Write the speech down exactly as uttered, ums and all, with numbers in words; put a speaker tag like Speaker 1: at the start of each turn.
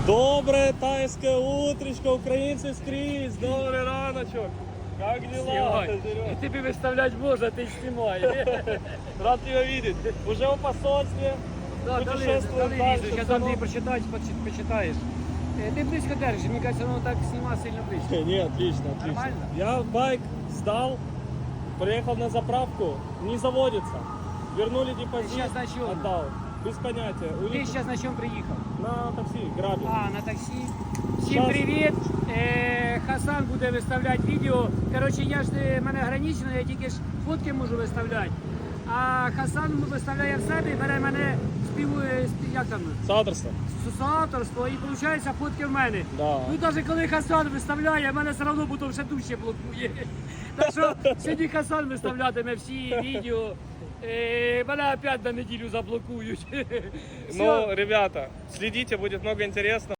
Speaker 1: Доброе тайское утречко, украинцы скрізь, добрый раночок. Как дела?
Speaker 2: И тебе выставлять можно, ты снимай.
Speaker 1: Рад тебя видеть. Уже в посольстве.
Speaker 2: Да, дали,
Speaker 1: Путешествуем
Speaker 2: дали
Speaker 1: дальше,
Speaker 2: визу, сейчас
Speaker 1: сынок.
Speaker 2: Андрей прочитаешь, почи- почитаешь. Э, Ты близко держишь, мне кажется, оно так снимать сильно близко.
Speaker 1: Не, отлично, отлично.
Speaker 2: Нормально?
Speaker 1: Я байк сдал, приехал на заправку, не заводится. Вернули депозит,
Speaker 2: Сейчас на чем?
Speaker 1: отдал. Без понятия.
Speaker 2: Ты
Speaker 1: Улетел
Speaker 2: сейчас на чем приехал?
Speaker 1: на такси, грабил.
Speaker 2: А, на таксі. Всім
Speaker 1: Щас.
Speaker 2: привіт! Е, Хасан буде виставляти відео. Коротше, я ж е, мене ограничено, я тільки ж фотки можу виставляти. А Хасан виставляє в себе і бере мене спів, е, спів як там,
Speaker 1: Соавторство.
Speaker 2: соавторство і виходить фотки в мене.
Speaker 1: Да.
Speaker 2: Ну навіть коли Хасан виставляє, мене все одно потім ще дужче блокує. Так що сьогодні Хасан виставлятиме всі відео. Е, мене опять на неділю заблокують.
Speaker 1: Ну, ребята, следите, будет много интересного.